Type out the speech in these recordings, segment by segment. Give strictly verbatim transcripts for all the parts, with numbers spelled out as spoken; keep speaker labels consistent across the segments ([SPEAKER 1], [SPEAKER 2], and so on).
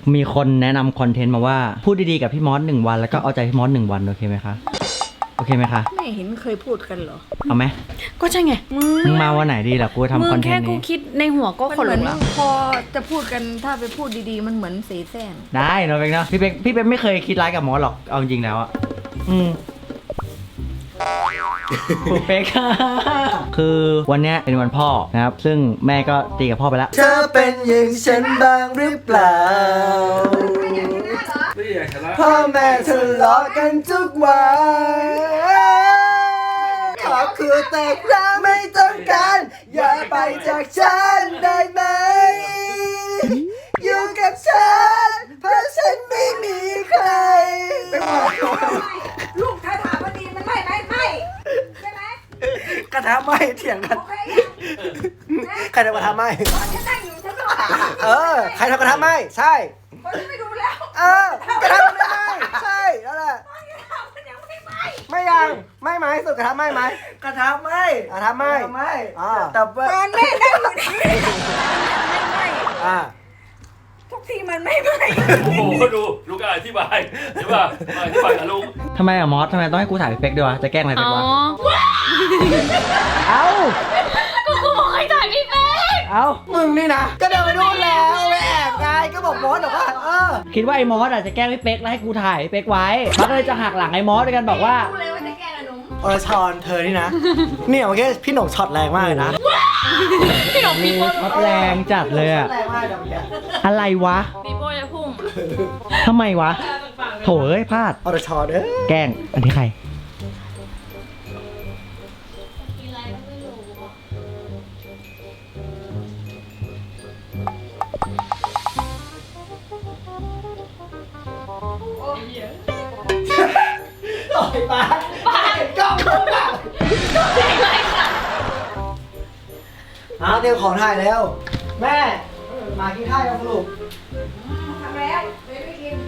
[SPEAKER 1] มีคนแนะนำคอนเทนต์มาว่าพูดดีๆกับพี่มอสหนึ่งวันแล้วก็เอาใจพี่มอสหนึ่งวันโอเคไหมคะโอเคไหมคะ
[SPEAKER 2] ไม่เห็นเคยพูดกันเหรอ
[SPEAKER 1] เอาไหม
[SPEAKER 2] ก็ใช่ไง
[SPEAKER 1] มึงมาวันไหนดีล่ะกูทำคอนเทนต์นี้
[SPEAKER 2] มึงแค่กูคิดในหัวก็ขนลุกแล้วพอจะพูดกันถ้าไปพูดดีๆมันเหมือนเสแสร้ง
[SPEAKER 1] ได้เนาะเป็กเนาะพี่เป็กพี่เป็กไม่เคยคิดร้ายกับมอสหรอกเอาจริงแล้วอะอืมปุ๊เป็กคือวันนี้เป็นวันพ่อนะครับซึ่งแม่ก็ตีกับพ่อไปแล้ว
[SPEAKER 3] เธอเป็นอย่างฉันบ้างหรือเปล่าพ่อแม่ทะเลาะกันทุกวันขอคือแต่ครั้งไม่ต้องการอย่าไปจากฉันได้ไหมอยู่กับฉันเพราะฉันไม่มีใคร
[SPEAKER 2] ลูกถ้าถามว่าดีมันไม่ไม่ไม่ใช่ไหม
[SPEAKER 3] กระทะไหม้เถียงกันใครทำกระทะไหม้เออใครทำกระทะไหม้ใช่
[SPEAKER 2] คนที่ไม่ดูแล้ว
[SPEAKER 3] เออกระทะไม่ไหม้ใช่นั่นแหละไม่ยังไม่ไหมสุดกระทะไหม้ไหมกระทะไหม้กระทะไหม้ไม่อ่าแต่ว่า
[SPEAKER 2] มันไม่ได้อยู่ในไม่ไม่
[SPEAKER 3] อ่า
[SPEAKER 2] ทุกทีมันไม่ไม่
[SPEAKER 4] โอ้โหดูลูกอธิบายใช่ป่ะอธิบายกับลุง
[SPEAKER 1] ทำไมอะมอสทำไมต้องให้กูถ่ายพี่เป็กด้วยวะจะแกล้งอะไรเป็กวะเอ้า
[SPEAKER 2] ก็กูบอกให้ถ่ายพี่เป็ก
[SPEAKER 1] เอ้า
[SPEAKER 3] มึงนี่นะก็เดินไปนู่นแล้วไปแอบไงก็บอกมอสบอกว่าเออ
[SPEAKER 1] คิดว่าไอ้มอสอาจจะแกล้งพี่เป็กแล้วให้กูถ่ายพี่เป็กไว้มอสก็เลยจะหักหลังไอ้มอสด้วยกันบอกว่า
[SPEAKER 2] รู้เลยว่าจะแกล้งอะหนุ่ม
[SPEAKER 3] อรชรเธอนี่นะเนี่ยเมื่อกี้พี่หนุ่มช็อตแรงมากเลยนะ
[SPEAKER 2] พี่หนุ่มปีโป้
[SPEAKER 1] ช็อตแรงจัดเลยอะอะไรวะ
[SPEAKER 2] ปีโป้จะพุ่ง
[SPEAKER 1] ทำไมวะโถเอ้ยพลาด
[SPEAKER 3] อรชรเด้อ
[SPEAKER 1] แกล้งอันนี้ใคร
[SPEAKER 3] ต่อยปากปากกล้องกล้องปากเอาเตรียมของถ่ายแล้วแม่มากินข้าวยังลูก
[SPEAKER 2] ทำแล้วไม่ได้กิน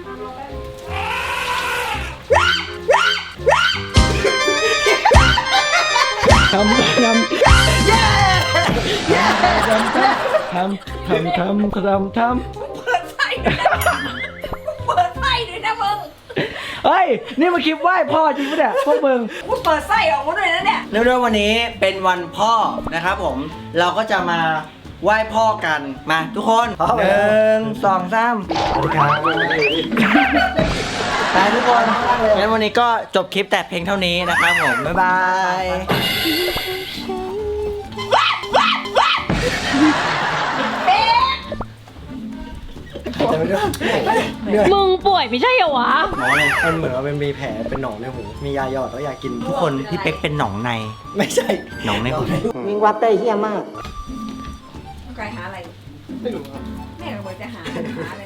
[SPEAKER 1] ทำทำเย้ทำทำทำทำทำทำ
[SPEAKER 2] เปิดไฟเปิดไฟด้วยนะมึง
[SPEAKER 1] เฮ้ยนี่มาคลิปไหว้พ่อจริงปะเนี่ยพวกมึง
[SPEAKER 2] กูเปิดไส้ออกมาด้วยนะเนี่ย
[SPEAKER 1] เนื่องด้วยวันนี้เป็นวันพ่อนะครับผมเราก็จะมาไหว้พ่อกันมาทุกคนหนึ่งสองสามสวัสดีครับไปทุกคนงั้นวันนี้ก็จบคลิปแต่เพียงเท่านี้นะครับผมบ๊ายบาย
[SPEAKER 2] มึงป่วยไม่ใช่เหรอวะ
[SPEAKER 3] หมอเนี่ยมันเหมือนว่าเป็นมีแผลเป็นหนองในหูมียาหยอดแล้วอยากกิน
[SPEAKER 1] ทุกคนพี่เป๊กเป็นหนองใน
[SPEAKER 3] ไม่ใช่
[SPEAKER 1] หนองในหู
[SPEAKER 3] วิ่งวัดได้เหี้ยมาก
[SPEAKER 2] ต้องการหาอะไรไม่รู้แม่ก็บอกจะหาหาอะไร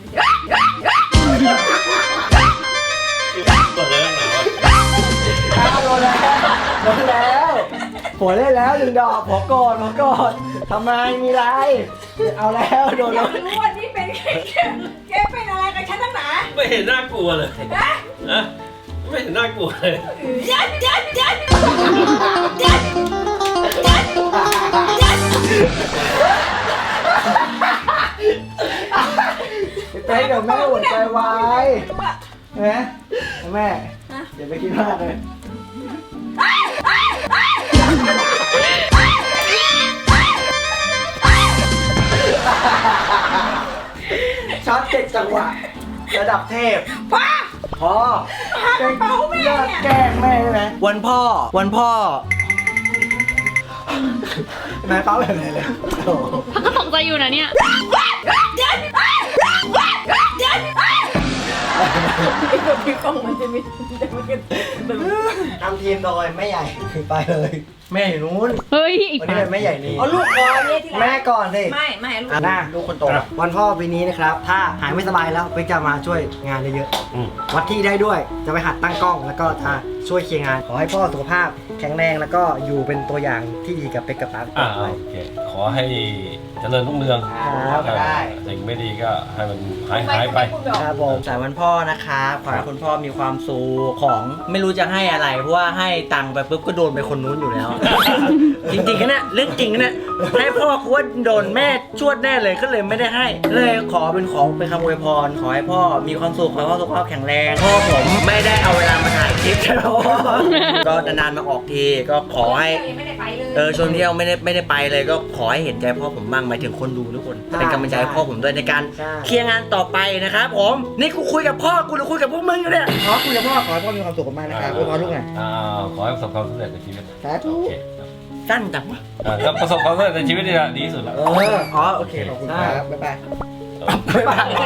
[SPEAKER 4] กดเลยหน่อ
[SPEAKER 3] ยโดนแล้วโดนแล้วหัวเล่นแล้วหนึ่งดอกหัวกอดหัวกอดทำไมมีไรเอาแล้วโดนแล้ว
[SPEAKER 2] รู้ว่านี่เป็นแกแกเป็นอะไรกับฉันตั้งหนา
[SPEAKER 4] ไม่เห็นน่ากลัวเลยนะไม่เห็นน่ากลัวเลย
[SPEAKER 2] ยัดยัดยัดยัดยัด
[SPEAKER 3] ไปเดี๋ยวแม่หัวใจวายนะแม่อย่าไปคิดมากเลยช็อตเจ็ดจังหวะระดับเทพ
[SPEAKER 2] พ่อ
[SPEAKER 3] พอแกล้งเลิกแกล้งแม่ใช่ไหม
[SPEAKER 1] วันพ่อวันพ่อ
[SPEAKER 3] นายเป้าแบบไหนเลย
[SPEAKER 2] พักก็ตกใจอยู่นะเนี่ยพี่กล้องมันจะมี
[SPEAKER 3] ทำทีมโดยแม่ใหญ่ไปเลยแม่อยู่นู้น
[SPEAKER 2] เฮ้ย
[SPEAKER 3] วันนี้เป็นแม่ใหญ่นี่
[SPEAKER 2] เอาลูกก่อนเนี่ย
[SPEAKER 3] แม่ก่อนสิ
[SPEAKER 2] ไม่ไม่ลูก
[SPEAKER 3] หน้าลูกคนโตวันพ่อปีนี้นะครับถ้าหายไม่สบายแล้วไปจะมาช่วยงานเยอะๆวัดที่ได้ด้วยจะไปหัดตั้งกล้องแล้วก็จะช่วยเคลียร์งานขอให้พ่อสุขภาพแข็งแรงแล้วก็อยู่เป็นตัวอย่างที่ดีกับเป็กกับป๊า
[SPEAKER 4] อ่าโอเคขอให้เจริญรุ่งเรือง
[SPEAKER 3] ได้
[SPEAKER 4] สิ่งไม่ดีก็ให้มันหายหายไป
[SPEAKER 1] ครับผมสายวันพ่อนะครับขอให้คุณพ่อมีความสุขของไม่รู้จะให้อะไรเพราะว่าให้ตังค์ไปปุ๊บก็โดนไปคนนู้นอยู่แล้ว จริงๆนะเนี่ยเรื่องจริงนะเนี่ยให้พ่อกูว่าโดนแม่ชวดแน่เลยก็เลยไม่ได้ให้เลยขอเป็นของเป็นคำอวยพรขอให้พ่อมีความสุขขอให้พ่อสุขภาพแข็งแรงพ่อผมไม่ได้เอาเวลามาถ่ายคลิปใช่ไหมก็นานๆมาออกทีก็ขอให้
[SPEAKER 2] ไม่ได้ไปเลย
[SPEAKER 1] เออชวนเที่ยวไม่ได้ไม่ได้ไปเลยก็ขอให้เห็นใจพ่อผมบ้างหมายถึงคนดูทุกคนเป็นกำลังใจให้พ่อผมด้วยในการเคลียร์งานต่อไปนะครับผมนี่กูคุยกับพ่อกูหรือคุยกับพวกมึงอยู่เนี่ยขอคุยกับพ่อขอให้พ่อมีความสุขมากนะครับอวยพรลูกหน่อย
[SPEAKER 4] อ่าขอให้ประสบความสำเร็จในชีวิต
[SPEAKER 1] สาธุ
[SPEAKER 4] โอเค
[SPEAKER 1] สั้นจังวะ
[SPEAKER 4] อ่าก็ประสบความสำเร็จในชีวิตนี่แหละดีที่สุดแล้ว
[SPEAKER 1] เอออ๋อโอเคขอบคุณครับบ๊ายบาย
[SPEAKER 3] บ๊ายบาย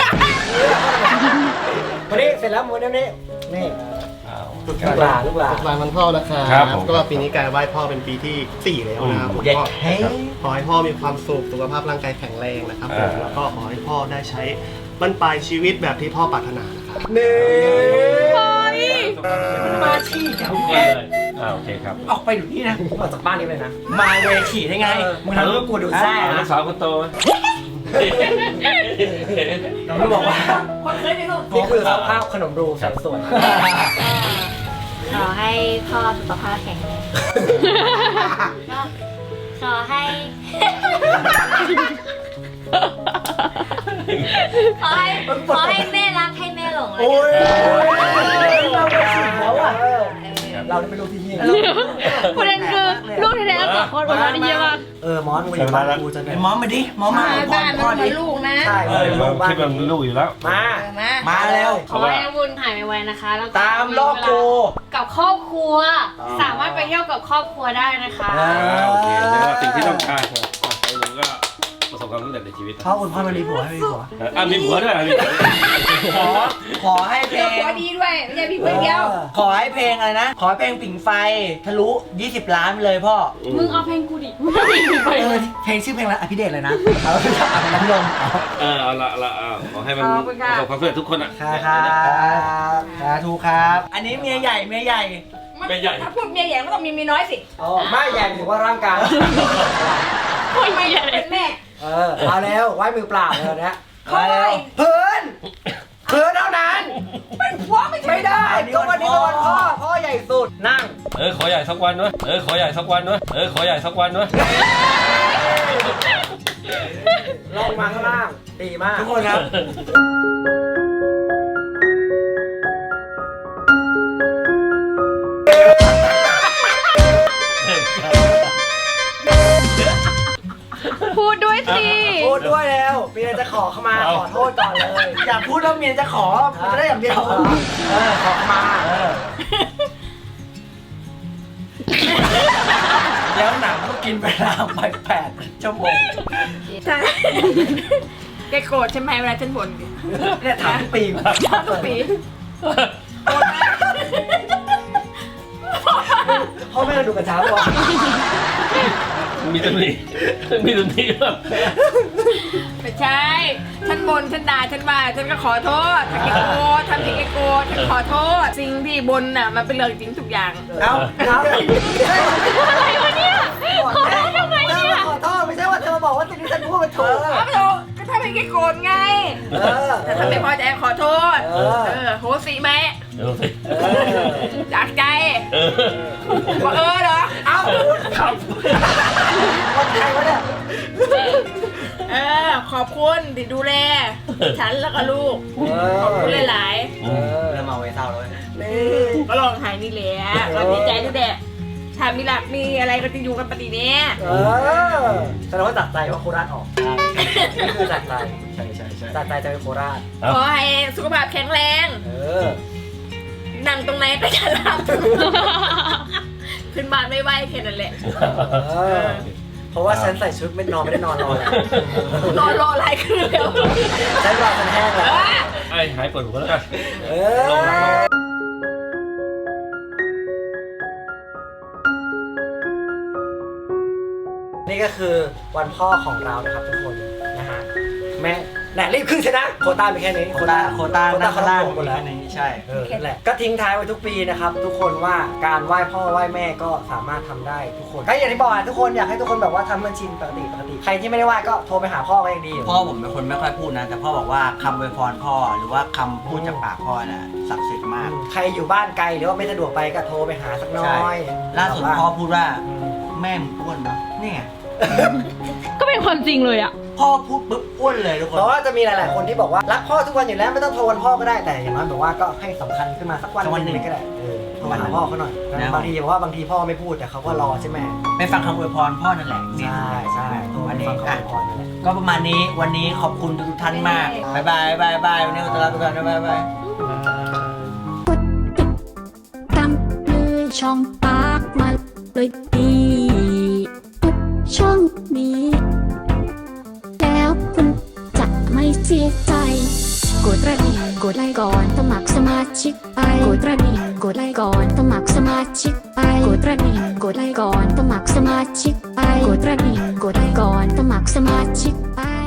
[SPEAKER 3] วันนี้เสร็จแล้ววันนี้นี่
[SPEAKER 4] อ้าว
[SPEAKER 3] ลูกหลานลูกหลาน
[SPEAKER 5] วันวันพ่อนะครับ
[SPEAKER 4] ครับผม
[SPEAKER 5] ก็ปีนี้การไหว้พ่อเป็นปีที่สี่แล้วนะครับผม
[SPEAKER 1] เด็ก
[SPEAKER 5] ก็
[SPEAKER 1] เฮ้ย
[SPEAKER 5] ขอให้พ่อมีความสุขสุขภาพร่างกายแข็งแรงนะครับผม
[SPEAKER 4] อ่า
[SPEAKER 5] แล้วก็ขอให้พ่อได้ใช้บรรปลายชีวิตแบบที่พ่อปรารถนานะครับ
[SPEAKER 3] นี่
[SPEAKER 1] มาที่เดี๋ยว
[SPEAKER 4] เอออ่าโอเคครับ
[SPEAKER 1] ออกไปอยู่นี่นะ
[SPEAKER 3] ผมออกจากบ้านนี้เลยนะ
[SPEAKER 1] มาเวขี่ได้ไงมึงทำให้กูดูแซ่
[SPEAKER 4] อ่าลู
[SPEAKER 1] นะ
[SPEAKER 4] กสาวคนโตไหม
[SPEAKER 1] น้องก็บอกว่า
[SPEAKER 2] คนเคยไปลูก
[SPEAKER 3] นี่คือสภาพขนมรูแสนสวย
[SPEAKER 6] ขอให้พ่อสุขภาพแข็งแรงก็ขอให้ ขอให้ขอให้แม่รักให้แม่หลงเลย
[SPEAKER 3] โอ้ย
[SPEAKER 1] เราไปสิแล้วอ่ะ
[SPEAKER 3] เราได้เป็นลูกที่เฮีย
[SPEAKER 2] ประเด็นคือลูกแท้ๆสองคนวันนี้เยอะมาก
[SPEAKER 3] เออมอสมึงอยู่บ้านกูจะ
[SPEAKER 1] ไอ้มอมมาดิมอมมา
[SPEAKER 2] มาบ้านมันเหมือนลูกนะ
[SPEAKER 3] ใช่
[SPEAKER 4] เออมันคิดว่ามันลูกอยู่แล้ว
[SPEAKER 3] มา
[SPEAKER 2] เออมา
[SPEAKER 1] มาแล้ว
[SPEAKER 6] ขอให้น้ำวุ้นหายไวๆนะคะแล้วก็
[SPEAKER 1] ตามรอบโก
[SPEAKER 6] กับครอบครัว สามารถไปเที่ยวกับครอบครัวได้นะคะ
[SPEAKER 1] อ่า
[SPEAKER 4] อ่าโอเคเดี๋ยวสิ่งที่ต้องการครับอ่ะไอ้หนูก็ประสบความสำเร็จในชีวิต
[SPEAKER 3] พ่อคุณพ่อมารีผัวให้มีผัว
[SPEAKER 4] อ่ะมีผัวด้วยอ่ะมีผัวด้วย
[SPEAKER 1] ขอขอให้เพ
[SPEAKER 2] เจ
[SPEAKER 1] ล
[SPEAKER 2] อง ผัวดีด้วยไม่ใช่พี่เพื่อนเดียว
[SPEAKER 1] ขอให้เพลงอะไรนะ ขอให้เพลงผิงไฟทะลุยี่สิบล้านไปเลยพ่อ
[SPEAKER 6] มึงเอาเพลงกูดิ
[SPEAKER 1] เออเพลงชื่อเพลงอะไรอภิเดชเลยนะเอาเอาน้ำนม
[SPEAKER 4] เออเอาละเอาละเอาขอให้มัน
[SPEAKER 2] ขอบคุณ
[SPEAKER 4] ป
[SPEAKER 2] ค่ะ
[SPEAKER 4] ระสบความสำเร็จทุกคนอ่ะ
[SPEAKER 1] ครับครับสาธุครับ อันนี้เมียใหญ่เมียใหญ่
[SPEAKER 4] ไม่ใหญ่
[SPEAKER 2] ถ้าพูดเมียใหญ่ก็ต้องมีเมียน้อยสิ
[SPEAKER 3] อ๋อไม่ใหญ่ถือว่าร่างกาย
[SPEAKER 2] คนไม่ใหญ่เป็นแม่
[SPEAKER 3] เออเอาแล้วไหว้มือเปล่าเลยนะ
[SPEAKER 2] เพราะอะไร
[SPEAKER 3] เพื่อนเพื่อนเท่านั้น
[SPEAKER 2] เป็นผัวไม่ใช่
[SPEAKER 3] ไม่ได้ก็วันนี้ก็วันพ่อพ่อใหญ่สุดนั่ง
[SPEAKER 4] เออขอใหญ่สักวันด้วยเออขอใหญ่สักวันด้วยเออขอใหญ่สักวันด้วย
[SPEAKER 3] ลงมาข้างล่างดีมาก
[SPEAKER 1] ทุกคนครับ
[SPEAKER 2] พูดด้วยสิ
[SPEAKER 3] พูดด้วยแล้วเมียจะขอเข้ามาขอโทษก่อนเลย
[SPEAKER 1] อย่าพูดแล้วเมียจะขอมันจะได้อย่างเดียว
[SPEAKER 3] เออขอเข้ามาเออ
[SPEAKER 1] แล้วหนังก็กินเวลาไปแปดชั่วโมง
[SPEAKER 2] ใช่แกโกรธใช่ไหมเวลาฉันบ่น
[SPEAKER 3] เนี่ยถามทุกปี
[SPEAKER 2] ชอบทุกปี
[SPEAKER 3] พ่อแม่ดูกระช้าป่ะ
[SPEAKER 4] มีตำหนิมีตำหนิแบบ
[SPEAKER 2] ไม่ใช่ ฉันบ่นฉันด่าฉันว่าฉันก็ขอโทษถ้าแกโกรธทำผิดแกโกรธฉันขอโทษ สิ่งที่บ่นน่ะมันเป็นเรื่องจริงทุกอย่าง
[SPEAKER 1] เอ้า
[SPEAKER 3] ครับ
[SPEAKER 2] อะไรวะเนี่ยขอโทษทำไมเนี่ย
[SPEAKER 3] ขอโทษไม่ใช่ว่าเธอมาบอกว่าสิ่งที่ฉันพูดมันถูก
[SPEAKER 2] เอาไปโทษก็ทำให้แกโกรธไง
[SPEAKER 3] เออ
[SPEAKER 2] แต่ถ้าไม่พอใจขอโทษ
[SPEAKER 3] เออ
[SPEAKER 2] เออโหสิไหม
[SPEAKER 4] เดี๋ยวสิ
[SPEAKER 3] เออ
[SPEAKER 2] จากใจ
[SPEAKER 4] เออ
[SPEAKER 2] บอกเออเหรอ
[SPEAKER 3] เอ้า
[SPEAKER 4] ครับ
[SPEAKER 3] คนไทยวะเนี่ย
[SPEAKER 2] เออ ขอบคุณที่ดูแล ฉันแล้วก็ลูก ขอบคุณหลาย
[SPEAKER 3] เออ
[SPEAKER 1] เริ่มเมาไว้เศร้าแล้วเว้ย
[SPEAKER 3] นี่
[SPEAKER 2] ๆก็ลองหายนี่แหละก็ดีใจด้วยแหละถ้ามีหลักมีอะไรก็จะอยู่กันปฏิเนี้ย
[SPEAKER 3] เออแสดงว่าตัดใจว่าโคราชออกนี่คือตัดใจ
[SPEAKER 1] ใช่ใช่ใช่
[SPEAKER 3] ตัดใจจะเป็นโคราช
[SPEAKER 2] ขอให้สุขภาพแข็งแรง
[SPEAKER 3] เออ
[SPEAKER 2] นั่งตรงไหนก็จะรับขึ้นบ้านไม่ไหวแค่นั้นแหละ
[SPEAKER 3] เออ เพราะว่าฉันใส่ชุดไม่นอนไม่ได้นอนรอแล้ว
[SPEAKER 2] รอรออะไรคืนแล้ว
[SPEAKER 3] ฉันรอฉันแห้งแล้ว
[SPEAKER 4] ไอ้หายปวดหัวแล้วกัน
[SPEAKER 3] เออ นี่ก็คือวันพ่อของเรานะครับทุกคนนะฮะแม่แหละรีบขึ้นชนะโควต้ามีแค่นี้
[SPEAKER 1] โควต้าโควต้า
[SPEAKER 3] โคว
[SPEAKER 1] ด้า
[SPEAKER 3] ต้าน เขา
[SPEAKER 1] ล่าง
[SPEAKER 3] ลงหมดแล้ว
[SPEAKER 1] นี้ใช่
[SPEAKER 3] เออนั่นแหละก็ทิ้งท้ายไว้ทุกปีนะครับทุกคนว่าการไหว้พ่อไหว้แม่ก็สามารถทำได้ทุกคนก็อย่างที่บอกอะทุกคนอยากให้ทุกคนแบบว่าทำมันชินปกติปกติใครที่ไม่ได้ไหว้ก็โทรไปหาพ่อก็ยังดีอยู่
[SPEAKER 1] พ่อผมเป็นคนไม่ค่อยพูดนะ แต่พ่อบอกว่าคำอวยพรพ่อหรือว่าคำพูดจากปากพ่อน่ะศักดิ์สิทธิ์มาก
[SPEAKER 3] ใครอยู่บ้านไกลหรือว่าไม่สะดวกไปก็โทรไปหาสักน้
[SPEAKER 1] ใช่
[SPEAKER 3] อย
[SPEAKER 1] ล่าสุดพ่อพูดว่า
[SPEAKER 3] อืม
[SPEAKER 1] แม่มึงอ้วนเนาะเนี่ย
[SPEAKER 7] ก็เป็นความจริงเลยอ่ะ
[SPEAKER 1] พ่อพูดปุ๊บอ้วนเลยทุกค
[SPEAKER 3] เพ
[SPEAKER 1] น
[SPEAKER 3] ราะว่าจะมีหลายๆคนที่บอกว่ารักพ่อทุกวันอยู่แล้วไม่ต้องโทรวันพ่อก็ได้แต่อย่างน้อยแบบว่าก็ให้สำคัญขึ้นมาสักวันหนึงก็ได้เออโทรหาพ่อเขาหน่อยบางทีบอกว่าบางทีพ่อไม่พูดแต่เขาก็รอใช่ไหม
[SPEAKER 1] ไปฟังคำอวยพรพ่อนั่นแหละ
[SPEAKER 3] ใช่ใช่โทร
[SPEAKER 1] วัน
[SPEAKER 3] ไป
[SPEAKER 1] นี้
[SPEAKER 3] ฟังเขา
[SPEAKER 1] อ่ะ
[SPEAKER 3] พรนั่นแหละ
[SPEAKER 1] ก็ประมาณนี้วันนี้ขอบคุณทุกท่านมากบายบายบายบายวันนี้ขอตัวลาไปก่อนนะบายบาย
[SPEAKER 8] ตามเลยช่องปากมาเลยดีกดช่องนี้ แล้วคุณจะไม่เสียใจ กดกระดิ่งกดไลค์ก่อนสมัครสมาชิกไปกดกระดิ่งกดไลค์ก่อนสมัครสมาชิกไปกดกระดิ่งกดไลค์ก่อนสมัครสมาชิกไปกดกระดิ่งกดไลค์ก่อนสมัครสมาชิกไป